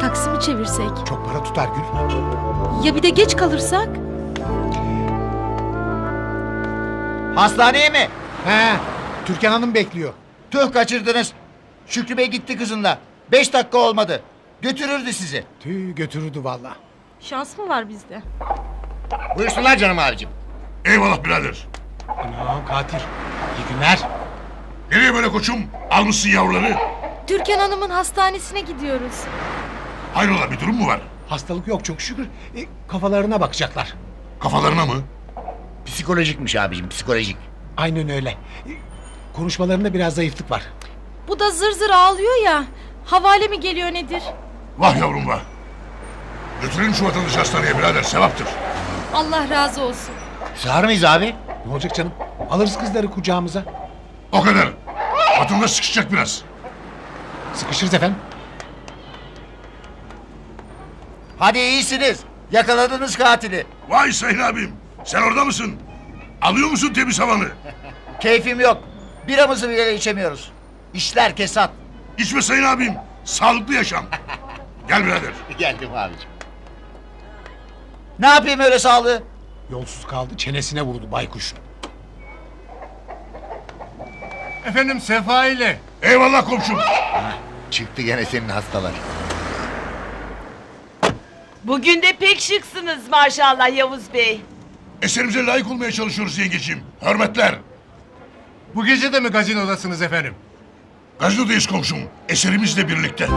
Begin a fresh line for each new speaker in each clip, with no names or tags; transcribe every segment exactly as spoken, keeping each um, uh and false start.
taksi mi çevirsek?
Çok para tutar Gül.
Ya bir de geç kalırsak?
Hastaneye mi?
He, Türkan Hanım bekliyor.
Tüh kaçırdınız. Şükrü Bey gitti kızınla. Beş dakika olmadı. Götürürdü sizi.
Tüh götürürdü valla.
Şans mı var bizde?
Buyursunlar canım abicim.
Eyvallah birader.
Anam katil. İyi günler.
Nereye böyle koçum? Almışsın yavruları.
Türkan Hanım'ın hastanesine gidiyoruz.
Hayrola bir durum mu var?
Hastalık yok çok şükür. E, kafalarına bakacaklar.
Kafalarına mı?
Psikolojikmiş abicim, psikolojik.
Aynen öyle. E, konuşmalarında biraz zayıflık var.
Bu da zır zır ağlıyor ya. Havale mi geliyor nedir?
Vah yavrum vah. Götürelim şu vatandaşı hastaneye birader, sevaptır.
Allah razı olsun.
Sağır mıyız abi?
Ne olacak canım? Alırız kızları kucağımıza.
O kadar. Vatandaş sıkışacak biraz.
Sıkışırız efendim.
Hadi iyisiniz. Yakaladınız katili.
Vay Sayın abim. Sen orada mısın? Alıyor musun temiz havanı?
Keyfim yok. Biramızı bile içemiyoruz. İşler kesat.
İçme Sayın abim. Sağlıklı yaşam. Gel birader.
Geldim abicim. Ne yapayım öyle sağlığı?
Yolsuz kaldı çenesine vurdu baykuş.
Efendim Sefa ile.
Eyvallah komşum.
Çıktı gene senin hastalar.
Bugün de pek şıksınız maşallah Yavuz Bey.
Eserimize layık olmaya çalışıyoruz yengeciğim. Hürmetler.
Bu gece de mi gazinodasınız efendim?
Gazinodayız komşum. Eserimizle birlikte.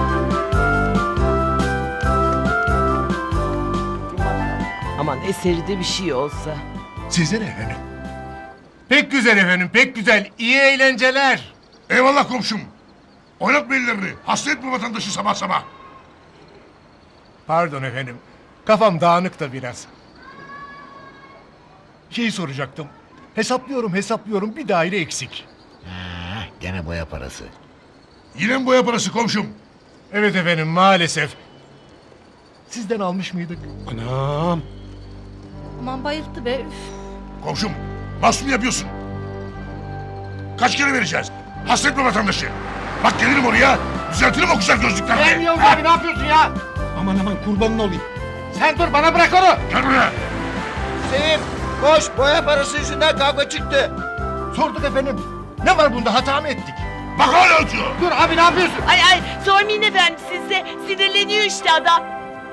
Aman eseri de bir şey olsa.
Size ne efendim?
Pek güzel efendim, pek güzel. İyi eğlenceler.
Eyvallah komşum. Oynatma ellerini. Hasta etme vatandaşı sabah sabah.
Pardon efendim. Kafam dağınık da biraz. Şeyi soracaktım. Hesaplıyorum hesaplıyorum bir daire eksik.
Ha, gene boya parası.
Yine mi boya parası komşum?
Evet efendim maalesef. Sizden almış mıydık?
Anam.
Aman bayılttı be. Üf.
Komşum, bas mı yapıyorsun? Kaç kere vereceğiz? Hasta etme vatandaşı. Bak gelirim oraya, düzeltirim o güzel gözlüklerini.
Yavuz abi ne yapıyorsun ya?
Aman aman kurbanın olayım.
Sen dur bana bırak onu.
Gel buraya.
Sevim koş boya parası yüzünden kavga çıktı.
Sorduk efendim. Ne var bunda hata mı ettik?
Bak hala atıyor.
Dur abi ne yapıyorsun?
Ay ay sormayın efendim sizde sinirleniyor işte adam.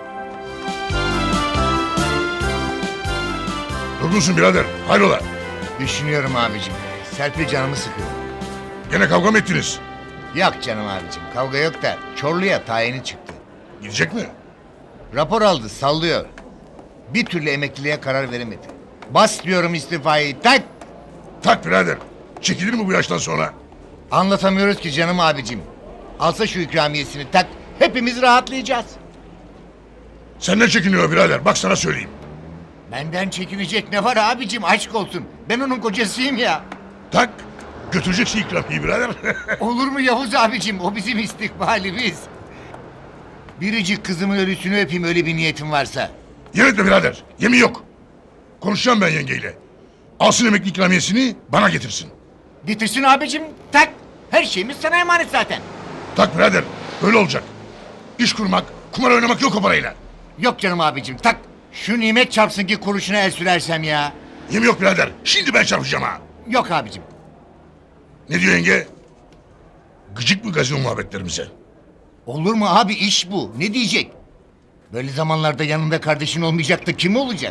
Durgunsun birader, hayrola?
Düşünüyorum abicim. Serpil canımı sıkıyor.
Gene kavga mı ettiniz?
Yok canım abicim kavga yok da Çorlu'ya tayini çıktı.
Gidecek mi?
Rapor aldı sallıyor. Bir türlü emekliliğe karar veremedi. Bas diyorum istifayı tak.
Tak birader. Çekilir mi bu yaştan sonra?
Anlatamıyoruz ki canım abicim. Alsa şu ikramiyesini tak. Hepimiz rahatlayacağız.
Senden çekiniyor birader, bak sana söyleyeyim.
Benden çekinecek ne var abicim aşk olsun. Ben onun kocasıyım ya.
Tak, götüreceksin ikramiyi birader.
Olur mu Yavuz abicim o bizim istikbalimiz. Biricik kızımın ölüsünü öpeyim öyle bir niyetim varsa.
Yemin etme birader, yemin yok. Konuşacağım ben yengeyle. Alsın emekli ikramiyesini, bana getirsin.
Getirsin abicim tak. Her şeyimiz sana emanet zaten.
Tak birader, öyle olacak. İş kurmak, kumar oynamak yok o parayla.
Yok canım abicim tak. Şu nimet çarpsın ki kuruşuna el sürersem ya.
Yemin yok birader, şimdi ben çarpacağım ha.
Yok abicim.
Ne diyor yenge? Gıcık mı gazino muhabbetlerimize?
Olur mu abi iş bu. Ne diyecek? Böyle zamanlarda yanında kardeşin olmayacak da kim olacak?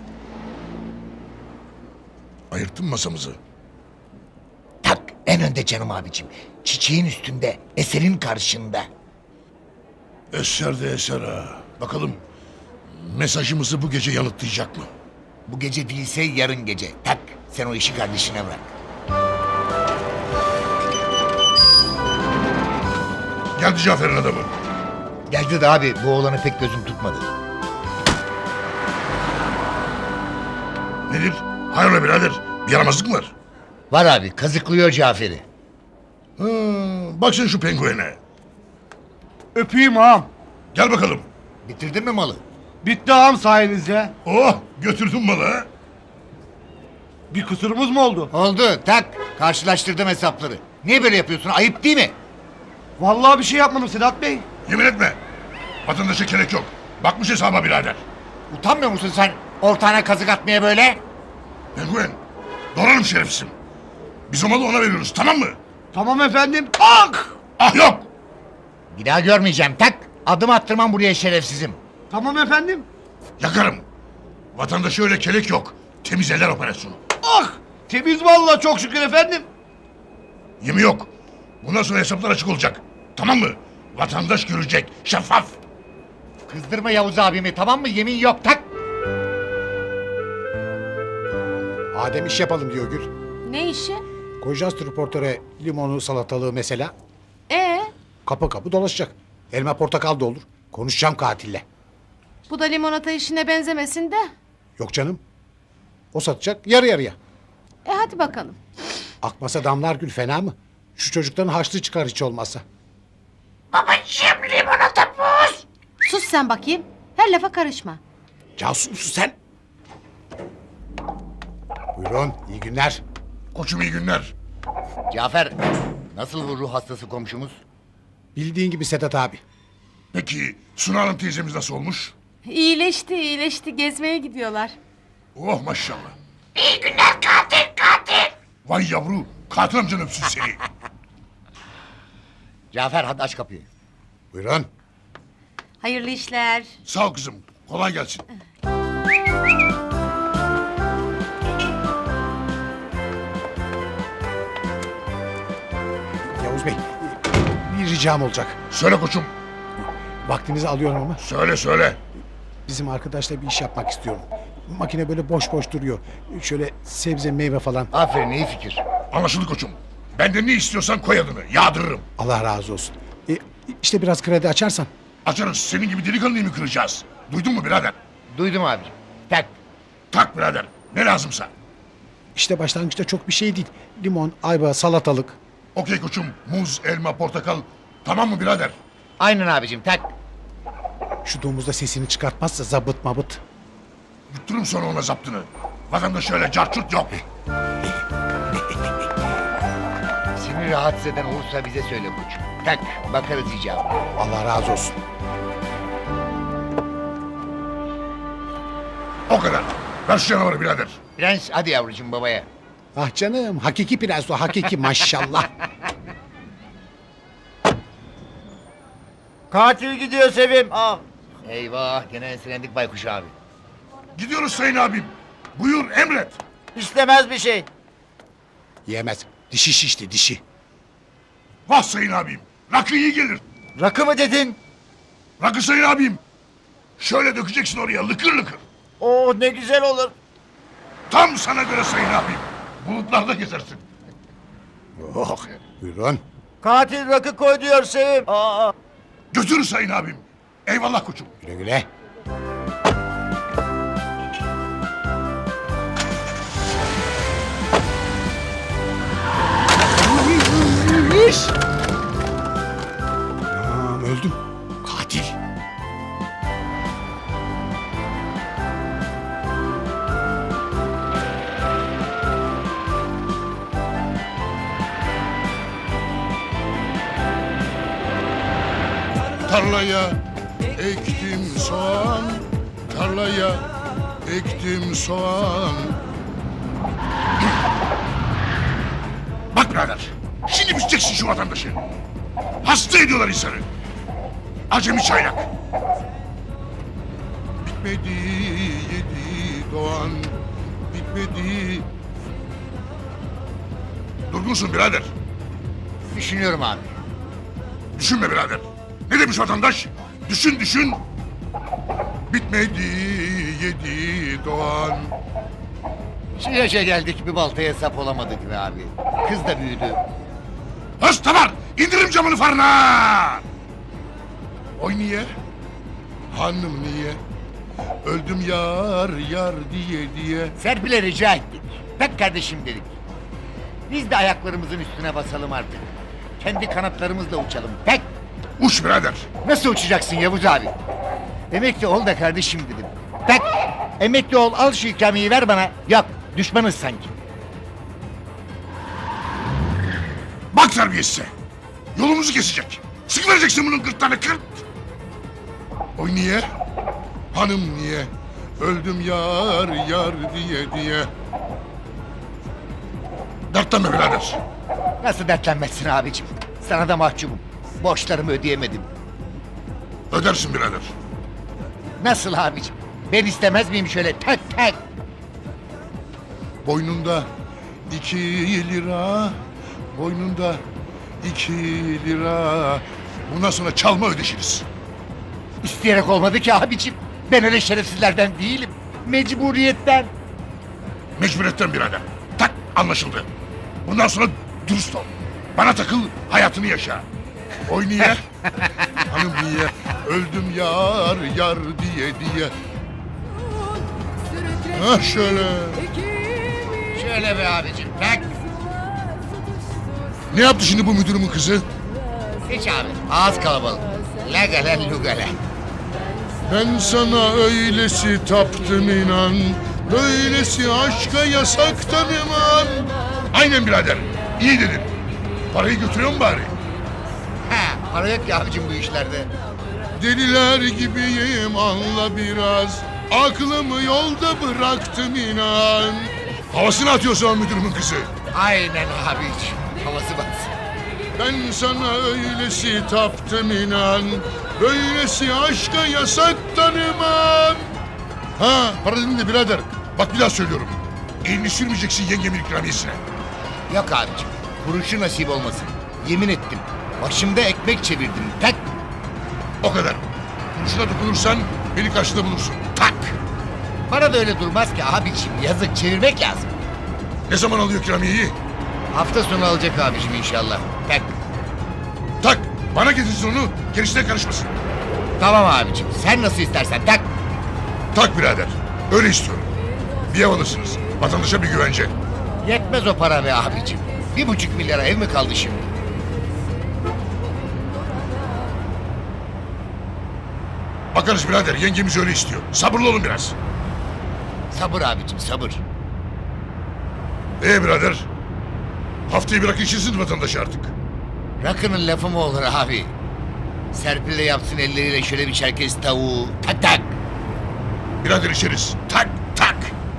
Ayırttın mı masamızı?
Tak en önde canım abicim. Çiçeğin üstünde, eserin karşında.
Eser de eser ha. Bakalım mesajımızı bu gece yanıtlayacak mı?
Bu gece değilse yarın gece. Tak sen o işi kardeşine bırak.
Geldi Cafer'in adamı.
Geldi de abi bu oğlanı pek gözüm tutmadı.
Nedir? Hayrola birader, bir yaramazlık mı var?
Var abi kazıklıyor Cafer'i.
Ha, bak sen şu penguene.
Öpeyim ağam.
Gel bakalım.
Bitirdin mi malı?
Bitti ağam sayenizde.
Oh, götürdün malı ha.
Bir kusurumuz mu oldu?
Oldu tak karşılaştırdım hesapları. Niye böyle yapıyorsun ayıp değil mi?
Vallahi bir şey yapmadım Sedat Bey.
Yemin etme. Vatandaşa gerek yok. Bakmış hesaba birader.
Utanmıyor musun sen ortağına kazık atmaya böyle?
Penguen. Doğrarım şerefsizim. Biz o malı ona veriyoruz, tamam mı?
Tamam efendim. Ah!
Ah yok.
Bir daha görmeyeceğim tak. Adım attırmam buraya şerefsizim.
Tamam efendim.
Yakarım. Vatandaşa öyle kelek yok. Temiz eller operasyonu.
Ah! Temiz vallahi çok şükür efendim.
Yemi yok. Bundan sonra hesaplar açık olacak. Tamam mı? Vatandaş görecek. Şeffaf.
Kızdırma Yavuz abimi tamam mı? Yemin yok tak.
Adem iş yapalım diyor Gül.
Ne işi?
Koyacağız tripportöre limonu, salatalığı mesela.
Ee,
Kapı kapı dolaşacak. Elma portakal da olur. Konuşacağım katille.
bu da limonata işine benzemesin de.
Yok canım. O satacak yarı yarıya.
E hadi bakalım.
Akmasa damlar Gül, fena mı? Şu çocukların harçlığı çıkar hiç olmazsa.
Sus sen bakayım. Her lafa karışma.
Casus musun sen? Buyurun, iyi günler.
Koçum iyi günler.
Cafer nasıl bu ruh hastası komşumuz?
Bildiğin gibi Sedat abi.
Peki Suna Hanım teyzemiz nasıl olmuş?
İyileşti, iyileşti. Gezmeye gidiyorlar.
Oh maşallah. İyi günler katil katil. Vay yavru. Katil amcan öpsün seni.
Cafer hadi aç kapıyı.
Buyurun.
Hayırlı işler.
Sağ ol kızım. Kolay gelsin.
Yavuz Bey, bir ricam olacak.
Söyle koçum.
Vaktinizi alıyorum ama
Söyle söyle.
bizim arkadaşla bir iş yapmak istiyorum. Makine böyle boş boş duruyor. Şöyle sebze meyve falan.
Aferin iyi fikir.
Anlaşıldı koçum. Benden ne istiyorsan koy adını. Yağdırırım.
Allah razı olsun. E, işte biraz kredi açarsan.
Açarız. Senin gibi delikanlıyı mı kıracağız? Duydun mu birader?
Duydum abicim. Tak.
Tak birader. Ne lazımsa.
İşte başlangıçta çok bir şey değil. Limon, ayva, salatalık.
Okey koçum. Muz, elma, portakal. Tamam mı birader?
Aynen abicim tak.
Şu domuzda sesini çıkartmazsa zabıt mabıt.
Yutturum sonra ona zaptını. Vatandaş öyle carçurt yok.
Seni rahatsız eden olursa bize söyle koçum. Tak bakarız icabı.
Allah razı olsun.
O kadar. Ver şu canavarı birader.
Prens hadi yavrucuğum babaya.
Ah canım, hakiki prens o, hakiki maşallah.
Katil gidiyor Sevim. Ah!
Eyvah gene enselendik baykuş abi.
Gidiyoruz sayın abim. Buyur emret.
İstemez bir şey.
Yemez. Dişi şişti, dişi.
Vah sayın abim. Rakı iyi gelir.
Rakı mı dedin?
Rakı sayın abim. Şöyle dökeceksin oraya lıkır lıkır.
Oh ne güzel olur.
Tam sana göre sayın abim. Bulutlarda gezersin.
Oh, buyurun.
Katil rakı koy diyor Sevim. Aa!
Götür sayın abim. Eyvallah koçum.
Güle güle. Anam öldüm. Katil.
Tarlaya ektim soğan. Tarlaya ektim soğan. Bak birader. Şimdi biteceksin şu vatandaşı. Hasta ediyorlar insanı. Acemi çaylak. Bitmedi yedi doğan. Bitmedi. Durgunsun birader.
Düşünüyorum abi.
Düşünme birader. Ne demiş vatandaş? Düşün düşün. Bitmedi yedi doğan.
Şu yaşa geldik bir baltaya sap olamadık be abi. Kız da büyüdü.
Hasta var. İndirim camını farına. Oy niye? Hanım niye? Öldüm yar yar diye diye.
Serpil'e rica ettik. Tak kardeşim dedik. Biz de ayaklarımızın üstüne basalım artık. Kendi kanatlarımızla uçalım. Tek.
Uç birader.
Nasıl uçacaksın Yavuz abi? Emekli ol da kardeşim dedim. Tak. Emekli ol al şu ikramiyeyi ver bana. Yok düşmanız sanki.
Bak terbiyesize. Yolumuzu kesecek. Sıkıvereceksin bunun gırtlağını kırt. Oy niye? Hanım niye? Öldüm yar yar diye diye. Dertlenme birader.
Nasıl dertlenmezsin abicim? Sana da mahcubum. Borçlarımı ödeyemedim.
Ödersin birader.
Nasıl abicim? Ben istemez miyim şöyle tak tak?
Boynunda iki lira. Boynunda iki lira. Bundan sonra çalma ödeşiriz.
İsteyerek olmadı ki abicim. Ben öyle şerefsizlerden değilim. Mecburiyetten.
Mecburiyetten birader. Tak anlaşıldı. Bundan sonra dürüst ol. Bana takıl, hayatını yaşa. Oy niye? Hanım niye? Öldüm yar yar diye diye. Ha şöyle.
Şöyle be abicim tak.
Ne yaptı şimdi bu müdürümün kızı?
Hiç abi. Ağız kalabalık. Legale lugale.
Ben sana öylesi taptım inan. Böylesi aşka yasaktan iman. Aynen birader. İyi dedin. Parayı götürüyor mu bari?
Ha, para yok ki abicim bu işlerde.
Deliler gibiyim anla biraz. Aklımı yolda bıraktım inan. Havasını atıyorsun o müdürümün kızı.
Aynen abicim. Havası batsın.
Ben sana öylesi taptım inan. Böylesi aşka yasak tanımam. Ha para dedin de birader. Bak bir daha söylüyorum. Elini sürmeyeceksin yengemin ikramiyesine.
Yok abicim. Kuruşu nasip olmasın. Yemin ettim. Başımda ekmek çevirdim. Tak.
O kadar. Kuruşuna dokunursan beni karşıda bulursun.
Tak. Para da öyle durmaz ki abicim. Yazık çevirmek lazım.
Ne zaman alıyor ikramiyeyi?
Hafta sonu alacak abicim inşallah. Tak.
Tak. Bana getirsin onu. Gerisine karışmasın.
Tamam abicim. Sen nasıl istersen tak.
Tak birader. Öyle istiyorum. Bir ev alırsınız. Vatandaşa bir güvence.
Yetmez o para be abicim. Bir buçuk milyara ev mi kaldı şimdi?
Bakarız birader. Yengemiz öyle istiyor. Sabırlı olun biraz.
Sabır abicim sabır.
Ee birader. Haftayı bırak işinsin vatandaş artık.
Rakının lafı mı olur abi? Serpil de yapsın elleriyle şöyle bir çerkez tavuğu. Tak tak.
Birader içeriz. Tak tak.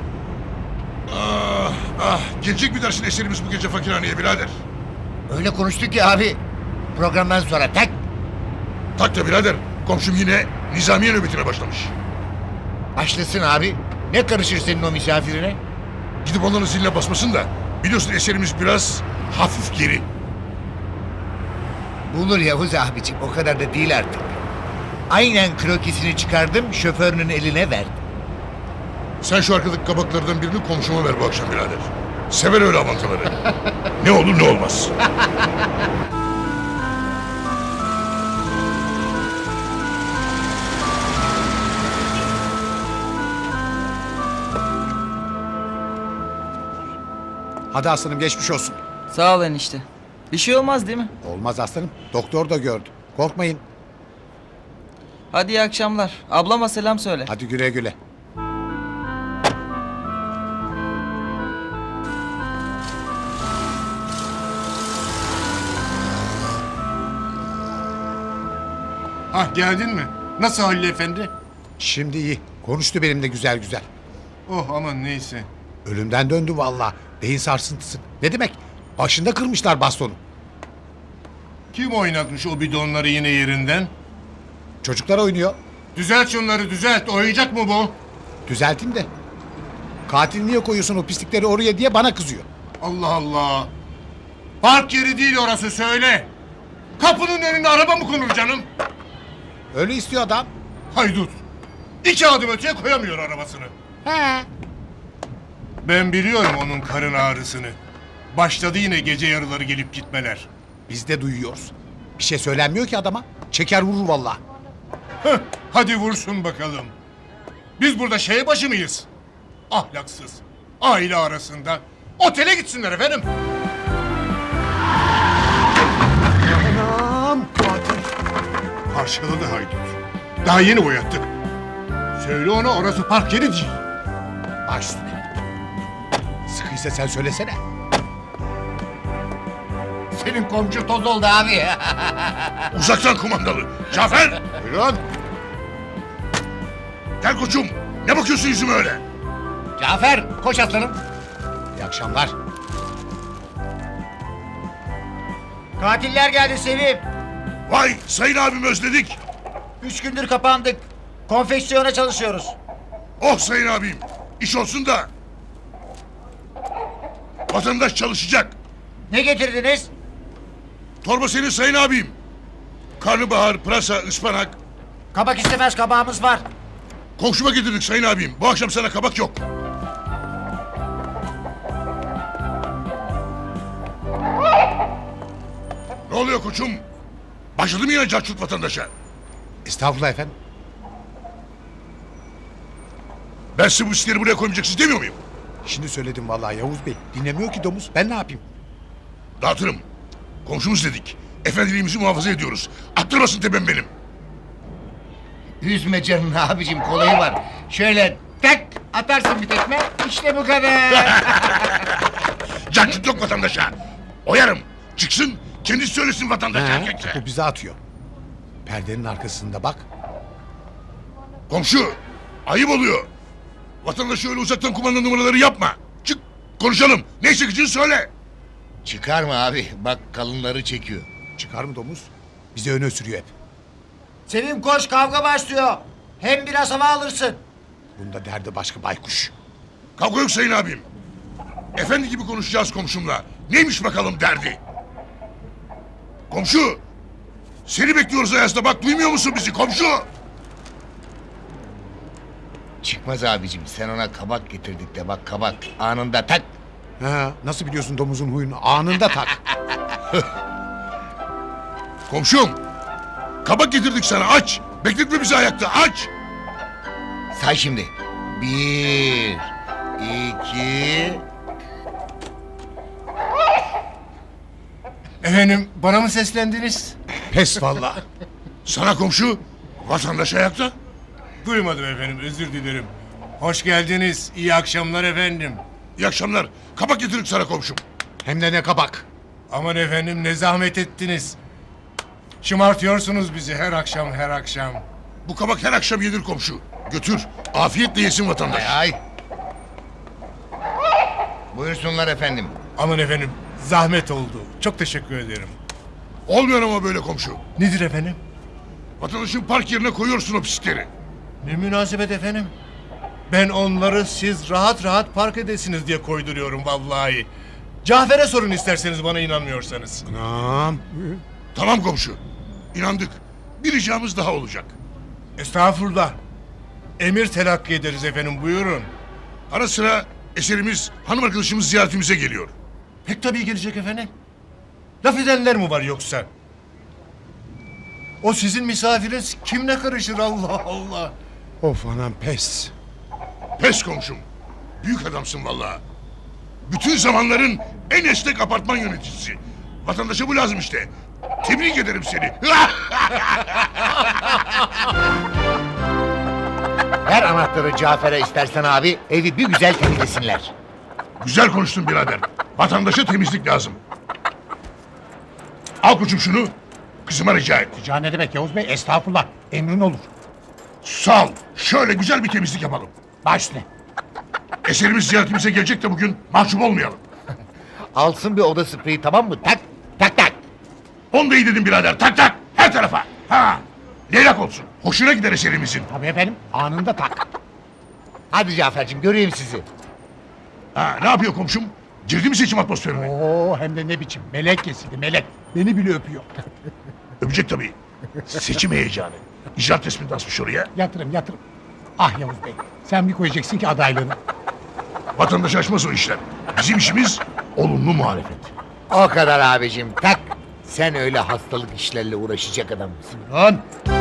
Ah ah. Gelecek mi dersin eserimiz bu gece fakirhaneye birader?
Öyle konuştuk ki abi. Programdan sonra tak.
Tak da birader. Komşum yine nizamiye nöbetine başlamış.
Başlasın abi. Ne karışır senin o misafirine?
Gidip onların ziline basmasın da. Biliyorsun eserimiz biraz hafif geri.
Bulur Yavuz abicim. O kadar da değil artık. Aynen krokisini çıkardım. Şoförünün eline verdim.
Sen şu arkadaki kabaklardan birini komşuma ver bu akşam birader. Sever öyle avantaları. Ne olur ne olmaz.
Hadi aslanım geçmiş olsun.
Sağ ol enişte. Bir şey olmaz değil mi?
Olmaz aslanım. Doktor da gördü. Korkmayın.
Hadi iyi akşamlar. Ablama selam söyle.
Hadi güle güle.
Hah geldin mi? Nasıl Halil Efendi?
Şimdi iyi. Konuştu benimle güzel güzel.
Oh aman neyse.
Ölümden döndü vallahi. Beyin sarsıntısı. Ne demek? Başında kırmışlar bastonu.
Kim oynatmış o bidonları yine yerinden?
Çocuklar oynuyor.
Düzelt şunları düzelt. Oyuncak mı bu?
Düzelteyim de. Katil niye koyuyorsun o pislikleri oraya diye bana kızıyor.
Allah Allah. Park yeri değil orası söyle. Kapının önünde araba mı konur canım?
Öyle istiyor adam.
Haydut. İki adım öteye koyamıyor arabasını.
He.
Ben biliyorum onun karın ağrısını. Başladı yine gece yarıları gelip gitmeler.
Biz de duyuyoruz. Bir şey söylenmiyor ki adama. Çeker vurur vallahi.
Heh, hadi vursun bakalım. Biz burada şey başı mıyız? Ahlaksız. Aile arasında. Otele gitsinler efendim.
Anam.
Parçaladı haydut. Daha yeni boyattık. Söyle ona orası park yeri değil.
Baş üstüne. Sıkıysa sen söylesene.
Senin komşu toz oldu abi.
Uzaktan kumandalı. Cafer.
Buyurun.
Gel koçum. Ne bakıyorsun yüzüme öyle?
Cafer koş aslanım.
İyi akşamlar.
Katiller geldi Sevim.
Vay sayın abim özledik.
Üç gündür kapandık. Konfeksiyona çalışıyoruz.
Oh sayın abim. İş olsun da. Vatandaş çalışacak.
Ne getirdiniz?
Torba senin sayın abim. Karnabahar, pırasa, ıspanak.
Kabak istemez, kabağımız var.
Komşuma getirdik sayın abim. Bu akşam sana kabak yok. Ne oluyor koçum? Başladı mı yine cahçurt vatandaşa?
Estağfurullah efendim.
Ben size bu iskleri buraya koymayacaksınız demiyor muyum?
Şimdi söyledim vallahi Yavuz Bey. Dinlemiyor ki domuz. Ben ne yapayım?
Dağıtırım. Komşumuz dedik. Efendiliğimizi muhafaza ediyoruz. Attırmasın tepem benim.
Üzme canını abicim kolayı var. Şöyle tak atarsın bir tekme. İşte bu kadar.
Cahçurt yok vatandaşa. Oyarım. Çıksın kendisi söylesin vatandaşa
Ha,
erkekse.
topu bize atıyor. Perdenin arkasında bak.
Komşu ayıp oluyor. Vatandaşa öyle uzaktan kumanda numaraları yapma. Çık konuşalım. Ne çekeceğini söyle.
Çıkar mı abi? Bak kalınları çekiyor.
Çıkar mı domuz? Bize öne sürüyor hep.
Sevim koş, kavga başlıyor. Hem biraz hava alırsın.
Bunda derdi başka baykuş.
Kavga yok sayın abim. Efendi gibi konuşacağız komşumla. Neymiş bakalım derdi? Komşu. Seni bekliyoruz Ayaz'da bak duymuyor musun bizi komşu?
Çıkmaz abicim sen ona kabak getirdik de bak kabak anında tak.
Ha, nasıl biliyorsun domuzun huyunu? Anında tak.
Komşum. Kabak getirdik sana aç. Bekletme bizi ayakta aç.
Say şimdi. Bir, iki...
Efendim bana mı seslendiniz?
Pes vallahi.
Sana komşu. Vatandaş ayakta.
Duymadım efendim özür dilerim. Hoş geldiniz. İyi akşamlar efendim.
İyi akşamlar. Kabak getirdik sana komşum.
Hem de ne kabak.
Aman efendim ne zahmet ettiniz. Şımartıyorsunuz bizi her akşam her akşam.
Bu kabak her akşam yenir komşu. Götür. Afiyetle yesin vatandaş.
Ay ay. Buyursunlar efendim.
Aman efendim zahmet oldu. Çok teşekkür ederim.
Olmuyor ama böyle komşu.
Nedir efendim?
Vatandaşın park yerine koyuyorsun o pislikleri.
Ne münasebet efendim? Ben onları siz rahat rahat park edesiniz diye koyduruyorum vallahi. Cafer'e sorun isterseniz bana inanmıyorsanız.
Anam.
Tamam komşu. İnandık. Bir ricamız daha olacak.
Estağfurullah. Emir telakki ederiz efendim buyurun.
Ara sıra eserimiz hanım arkadaşımız ziyaretimize geliyor.
Pek tabii gelecek efendim. Laf edenler mi var yoksa? O sizin misafiriniz kimle karışır Allah Allah.
Of anam pes.
Pes komşum. Büyük adamsın vallahi. Bütün zamanların en esnek apartman yöneticisi. Vatandaşa bu lazım işte. Tebrik ederim seni.
Ver anahtarı Cafer'e istersen abi. Evi bir güzel temizlesinler.
Güzel konuştun birader. Vatandaşa temizlik lazım. Al koçum şunu. Kızıma rica et.
Rica ne demek Yavuz Bey? Estağfurullah. Emrin olur.
Sağ ol. Şöyle güzel bir temizlik yapalım.
Baş ne?
Eserimiz ziyaretimize gelecek de bugün mahcup olmayalım.
Alsın bir oda spreyi tamam mı? Tak tak tak.
Onu da iyi dedim birader. Tak tak. Her tarafa. Ha. Leylak olsun. Hoşuna gider eserimizin.
Tabii efendim. Anında tak.
Hadi Cafer'cim göreyim sizi.
Ha, ne yapıyor komşum? Girdi mi seçim atmosferine?
Oo hem de ne biçim. Melek kesildi melek. Beni bile öpüyor.
Öpecek tabii. Seçim heyecanı. İcraat resmini de asmış oraya.
Yatırım yatırım. Ah Yavuz Bey. Sen bir koyacaksın ki adaylığını.
Vatandaş açmaz o işler. Bizim işimiz olumlu muhalefet.
O kadar abicim tak. Sen öyle hastalık işlerle uğraşacak adam mısın?
Lan.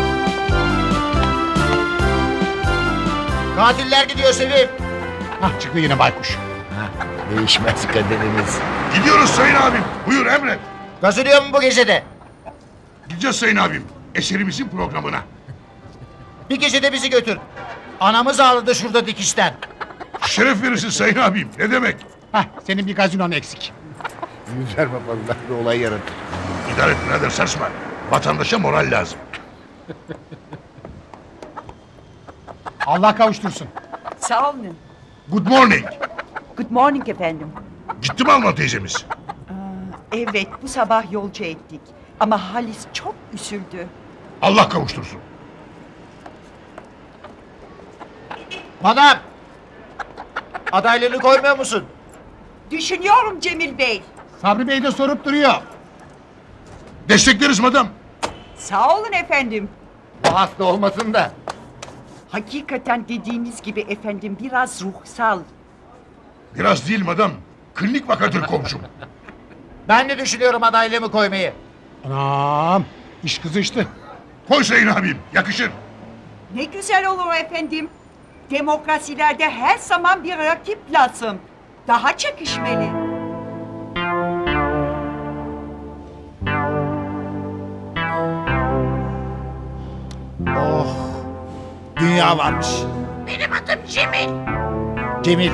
Katiller gidiyor Sevim.
Hah çıktı yine baykuş.
Değişmez kaderimiz.
Gidiyoruz sayın abim. Buyur emret.
Gazılıyor mu bu gecede?
Gideceğiz sayın abim. Eserimizin programına.
Bir gecede bizi götür. Anamız ağladı şurada dikişten.
Şeref verirsin sayın abim. Ne demek?
Hah senin bir gazinon eksik.
Müzerme vallahi bir olay yaratır.
İdare et birader sarsma. Vatandaşa moral lazım.
Allah kavuştursun.
Sağ olun.
Good morning.
Good morning efendim.
Gitti mi Alman teyzemiz?
Evet bu sabah yolcu ettik. Ama Halis çok üzüldü.
Allah kavuştursun.
Madam. Adaylığını koymuyor musun?
Düşünüyorum Cemil Bey.
Sabri Bey de sorup duruyor.
Destekleriz madam.
Sağ olun efendim.
Bu hasta olmasın da.
Hakikaten dediğiniz gibi efendim biraz ruhsal.
Biraz değil madam. Klinik vakadır komşum.
Ben de düşünüyorum adaylığımı koymayı.
Anam iş kızıştı.
Koy Sayın abim. Yakışır.
Ne güzel olur efendim. Demokrasilerde her zaman bir rakip lazım. Daha çekişmeli.
Oh. Dünya varmış. Benim adım Cemil. Cemil.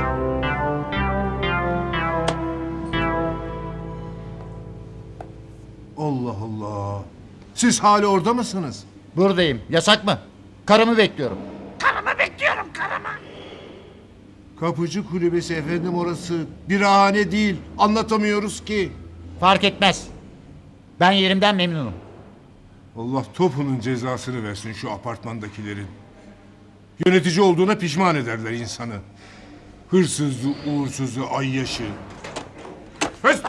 Allah Allah. Siz hala orada mısınız?
Buradayım. Yasak mı? Karımı bekliyorum.
Kapıcı kulübesi efendim orası. Birahane değil. Anlatamıyoruz ki.
Fark etmez. Ben yerimden memnunum.
Allah topunun cezasını versin şu apartmandakilerin. Yönetici olduğuna pişman ederler insanı. Hırsızı, uğursuzu, ayyaşı. Höst!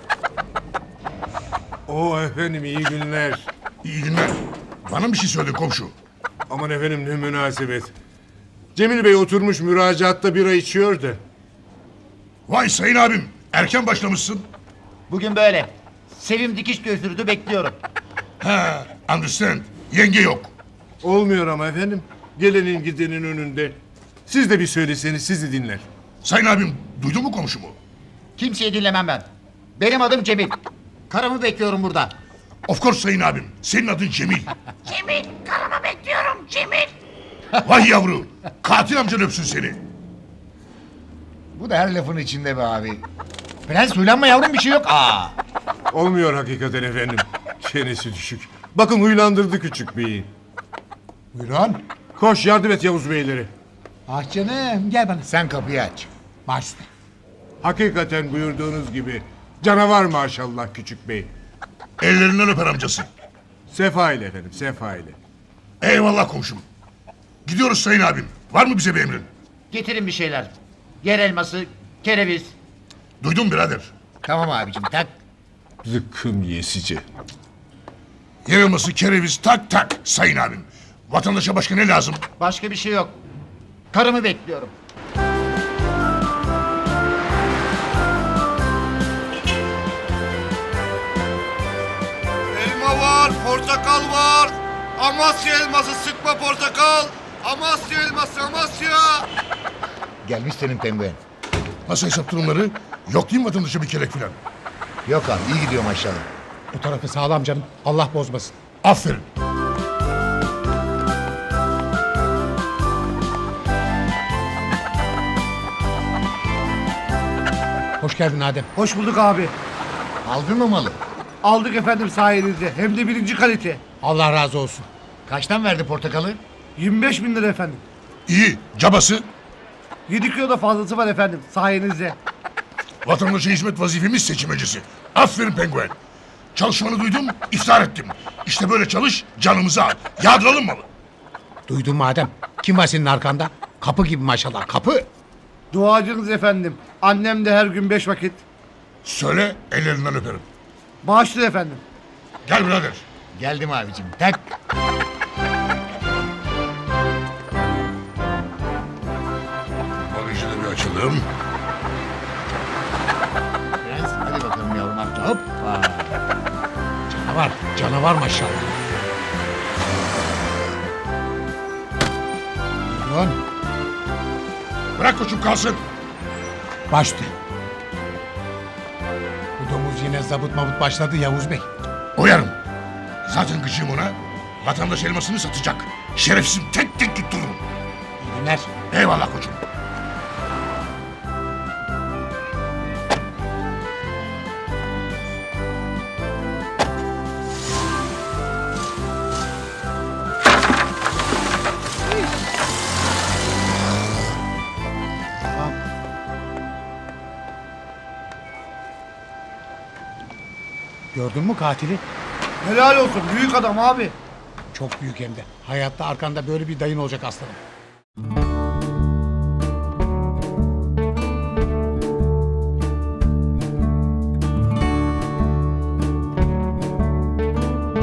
O efendim iyi günler.
İyi günler. Bana bir şey söyle komşu.
Aman efendim ne münasebet. Cemil Bey oturmuş müracaatta bira içiyor da.
Vay Sayın abim. Erken başlamışsın.
Bugün böyle. Sevim dikiş götürdü bekliyorum.
Ha, understand. Yenge yok.
Olmuyor ama efendim. Gelenin gidenin önünde. Siz de bir söyleseniz sizi dinler.
Sayın abim duydun mu komşumu?
Kimseyi dinlemem ben. Benim adım Cemil. Karımı bekliyorum burada.
Of course Sayın abim. Senin adın Cemil. Cemil. Karımı bekliyorum Cemil. Vay yavru. Katil amcan öpsün seni.
Bu da her lafın içinde be abi. Prens huylanma yavrum bir şey yok. Aa.
Olmuyor hakikaten efendim. Çenesi düşük. Bakın huylandırdı küçük beyi.
Buyurun.
Koş yardım et Yavuz Beyleri.
Ah canım gel bana.
Sen kapıyı aç.
Başla.
Hakikaten buyurduğunuz gibi. Canavar maşallah küçük bey.
Ellerinden öper amcası.
Sefa ile efendim sefa ile.
Eyvallah komşum. Gidiyoruz Sayın abim. Var mı bize bir emrin?
Getirin bir şeyler. Yer elması, kereviz.
Duydun birader.
Tamam abicim tak.
Zıkkım yesici.
Yer elması, kereviz tak tak Sayın abim. Vatandaşa başka ne lazım?
Başka bir şey yok. Karımı bekliyorum.
Elma var, portakal var. Amasya elması sıkma portakal. Amasya elması Amasya.
Gelmiş senin penguen.
Nasıl hesap durumları? Yok değil mi vatandaşa bir kelek filan?
Yok abi iyi gidiyor maşallah.
Bu tarafı sağlam canım. Allah bozmasın.
Aferin.
Hoş geldin Adem.
Hoş bulduk abi.
Aldın mı malı?
Aldık efendim sayenizde. Hem de birinci kalite.
Allah razı olsun.
Kaçtan verdi portakalı?
yirmi beş bin lira efendim.
İyi. Cabası.
yedi kilo da fazlası var efendim sayenizde.
Vatandaşa hizmet vazifemiz seçimecisi. Aferin penguen. Çalışmanı duydum, iftar ettim. İşte böyle çalış, canımızı al. Yağdıralım malı.
Duydun mu Adem? Kim var senin arkanda? Kapı gibi maşallah kapı.
Duacınız efendim. Annem de her gün beş vakit.
Söyle, ellerinden öperim.
Bağışlı efendim.
Gel birader.
Geldim abicim tak.
Bagajı da bir açalım.
Prens hadi bakalım yavrum atla hop. Aa.
Canavar. Canavar maşallah. Buyurun.
Bırak koçum kalsın.
Başla. Bu domuz yine zabıt mabut başladı Yavuz Bey.
Oyarım. Zaten gıcığım ona. Vatandaş elmasını satacak. Şerefsizim tek tek tuttururum.
İyi günler.
Eyvallah koçum.
Gördün mü katili?
Helal olsun büyük adam abi.
Çok büyük hem de. Hayatta arkanda böyle bir dayın olacak aslanım.